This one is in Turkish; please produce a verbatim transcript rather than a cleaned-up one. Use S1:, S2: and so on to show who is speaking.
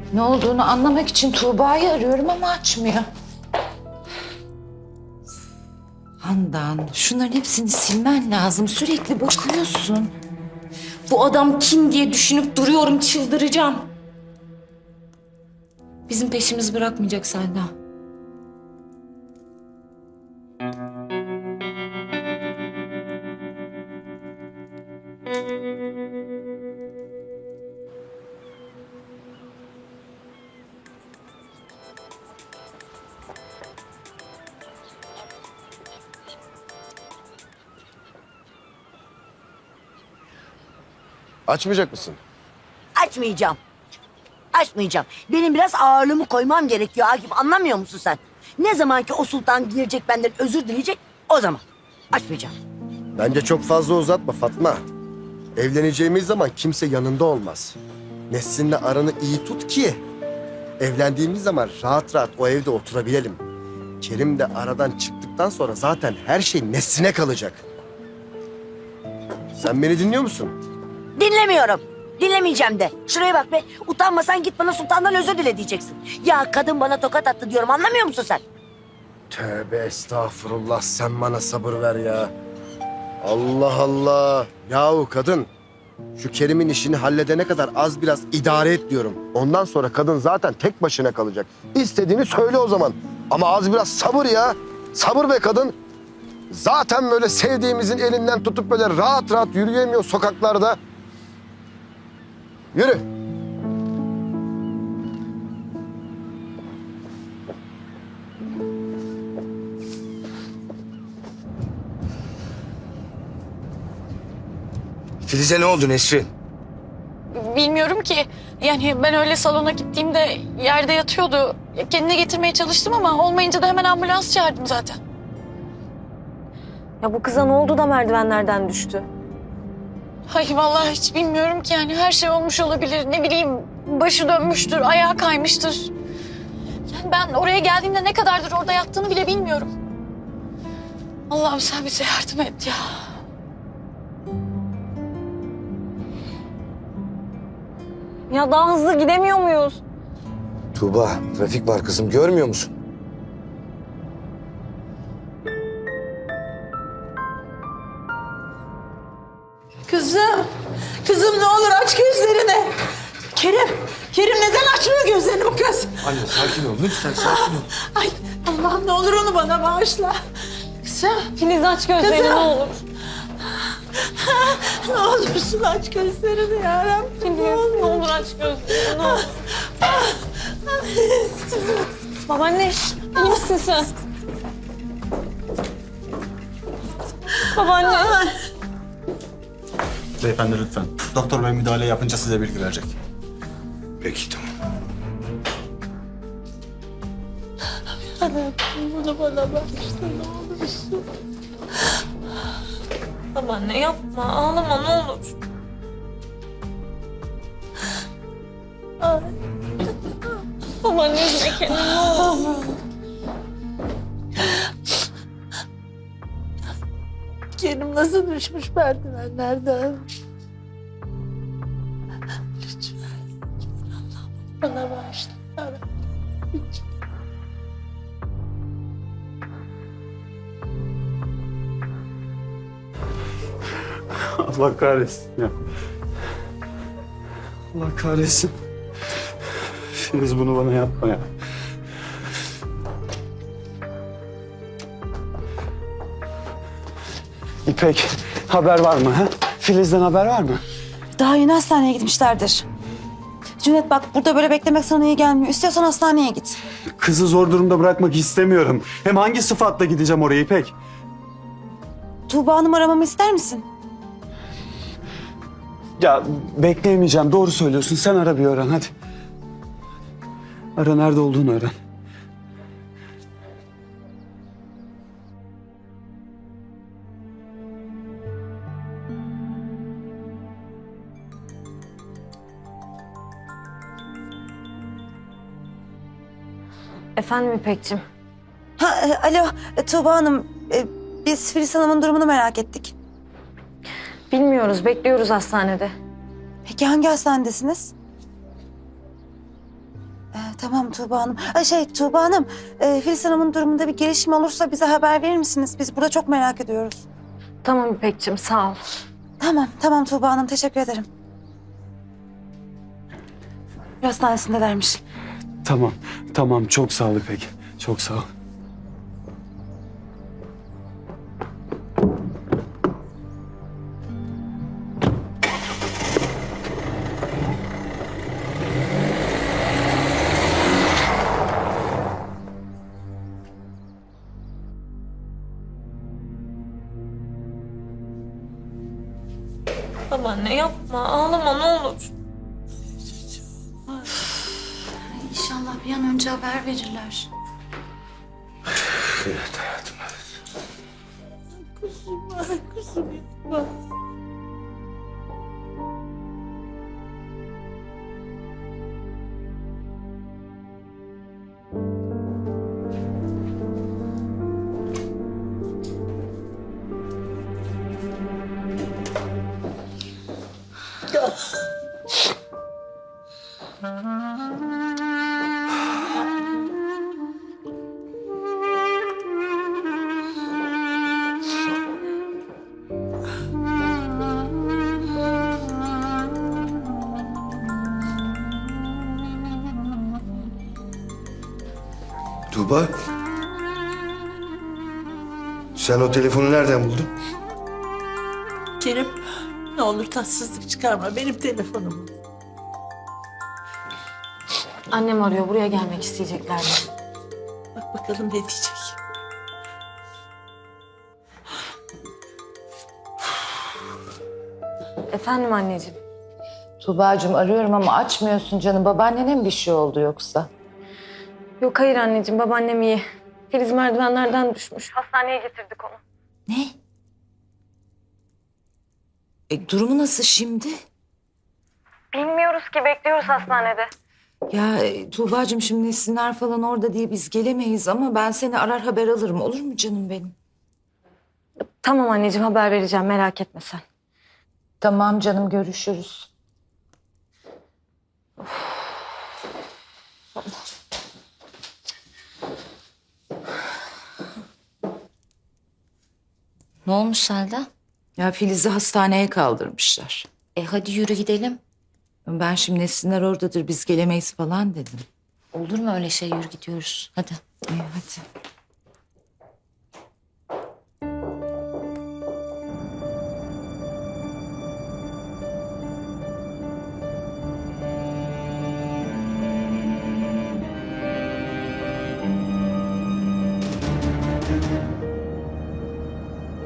S1: Ne olduğunu anlamak için Tuğba'yı arıyorum ama açmıyor. Handan, şunların hepsini silmen lazım. Sürekli bakıyorsun. Bu adam kim diye düşünüp duruyorum, çıldıracağım. Bizim peşimizi bırakmayacak Selda.
S2: Açmayacak mısın?
S3: Açmayacağım. Açmayacağım. Benim biraz ağırlığımı koymam gerekiyor Akif. Anlamıyor musun sen? Ne zaman ki o sultan gelecek benden özür dileyecek o zaman. Açmayacağım.
S2: Bence çok fazla uzatma Fatma. Evleneceğimiz zaman kimse yanında olmaz. Nesrin'le aranı iyi tut ki evlendiğimiz zaman rahat rahat o evde oturabilelim. Kerim de aradan çıktıktan sonra zaten her şey Nesrin'e kalacak. Sen beni dinliyor musun?
S3: Dinlemiyorum. Dinlemeyeceğim de. Şuraya bak be. Utanmasan git bana sultandan özür dile diyeceksin. Ya kadın bana tokat attı diyorum. Anlamıyor musun sen?
S2: Tövbe estağfurullah, sen bana sabır ver ya. Allah Allah. Yahu kadın, şu Kerim'in işini halledene kadar az biraz idare et diyorum. Ondan sonra kadın zaten tek başına kalacak. İstediğini söyle o zaman. Ama az biraz sabır ya. Sabır be kadın. Zaten böyle sevdiğimizin elinden tutup böyle rahat rahat yürüyemiyor sokaklarda. Yürü.
S4: Filiz'e ne oldu Nesrin?
S5: Bilmiyorum ki. Yani ben öyle salona gittiğimde yerde yatıyordu. Kendine getirmeye çalıştım ama olmayınca da hemen ambulans çağırdım zaten.
S6: Ya bu kıza ne oldu da merdivenlerden düştü?
S5: Ay vallahi hiç bilmiyorum ki yani her şey olmuş olabilir. Ne bileyim başı dönmüştür, ayağı kaymıştır. Yani ben oraya geldiğimde ne kadardır orada yattığını bile bilmiyorum. Allah'ım sen bize yardım et ya.
S6: Ya daha hızlı gidemiyor muyuz?
S4: Tuğba, trafik var kızım, görmüyor musun?
S7: Kızım, kızım ne olur aç gözlerini. Kerim, Kerim neden açmıyor gözlerini bu kız?
S4: Anne sakin ol, lütfen sakin ol.
S7: Ay Allah'ım ne olur onu bana bağışla. Kızım,
S6: Filiz aç gözlerini
S7: Kızım.
S6: ne olur.
S7: ne olursun aç gözlerini ya Rabbim.
S6: Filiz ne olur aç gözlerini ne olur. Babaanne iyi misin sen? Babaanne.
S8: Beyefendi lütfen. Doktor bey müdahale yapınca size bilgi verecek.
S4: Peki tamam.
S7: Bunu bana bağışla ne olursun.
S6: Babaanne yapma ağlama ne olur.
S7: Ay.
S6: Babaanne üzme kendini ne olur.
S7: Kerim nasıl düşmüş merdivenlerden? Lütfen, lütfen Allah'ım bana bağışla ya Rabbim.
S8: Allah kahretsin ya. Allah kahretsin. Filiz bunu bana yapma ya. İpek, haber var mı ha? Filiz'den haber var mı?
S9: Daha yeni hastaneye gitmişlerdir. Cüneyt bak burada böyle beklemek sana iyi gelmiyor. İstiyorsan hastaneye git.
S8: Kızı zor durumda bırakmak istemiyorum. Hem hangi sıfatla gideceğim oraya İpek?
S9: Tuğba Hanım aramamı ister misin?
S8: Ya bekleyemeyeceğim. Doğru söylüyorsun. Sen ara bir öğren hadi. Ara nerede olduğunu öğren.
S6: Efendim İpek'ciğim.
S9: Ha, e, alo e, Tuğba Hanım. E, biz Filiz Hanım'ın durumunu merak ettik.
S6: Bilmiyoruz bekliyoruz hastanede.
S9: Peki hangi hastanedesiniz? Tamam Tuğba Hanım. Ay şey Tuğba Hanım, e, Filiz Hanım'ın durumunda bir gelişme olursa bize haber verir misiniz? Biz burada çok merak ediyoruz.
S5: Tamam İpek'ciğim sağ ol.
S9: Tamam, tamam Tuğba Hanım. Teşekkür ederim. Hastanesindelermiş.
S8: Tamam, tamam. Çok sağ ol İpek. Çok sağ ol.
S6: Babaanne yapma. Ağlama ne olur.
S5: İnşallah bir an önce haber verirler.
S4: Evet hayatım.
S7: Kuzum, ay kuzum yapma.
S4: Tuğba. Sen o telefonu nereden buldun?
S7: Kerim, ne olur tatsızlık çıkarma. Benim telefonum.
S5: Annem arıyor buraya gelmek isteyecekler.
S7: Bak bakalım ne diyecek.
S5: Efendim anneciğim.
S1: Tuğba'cığım arıyorum ama açmıyorsun canım. Babaannene mi bir şey oldu yoksa?
S5: Yok hayır anneciğim babaannem iyi. Filiz merdivenlerden düşmüş. Hastaneye getirdik onu.
S1: Ne? E, durumu nasıl şimdi?
S5: Bilmiyoruz ki bekliyoruz hastanede.
S1: Ya e, Tuğba'cığım şimdi Nesinler falan orada diye biz gelemeyiz ama ben seni arar haber alırım. Olur mu canım benim?
S5: Tamam anneciğim haber vereceğim merak etme sen.
S1: Tamam canım görüşürüz.
S6: Ne olmuş Selda?
S1: Ya Filiz'i hastaneye kaldırmışlar.
S6: E hadi yürü gidelim.
S1: Ben şimdi Nesinler oradadır biz gelemeyiz falan dedim.
S6: Olur mu öyle şey, yürü gidiyoruz. Hadi.
S1: İyi hadi.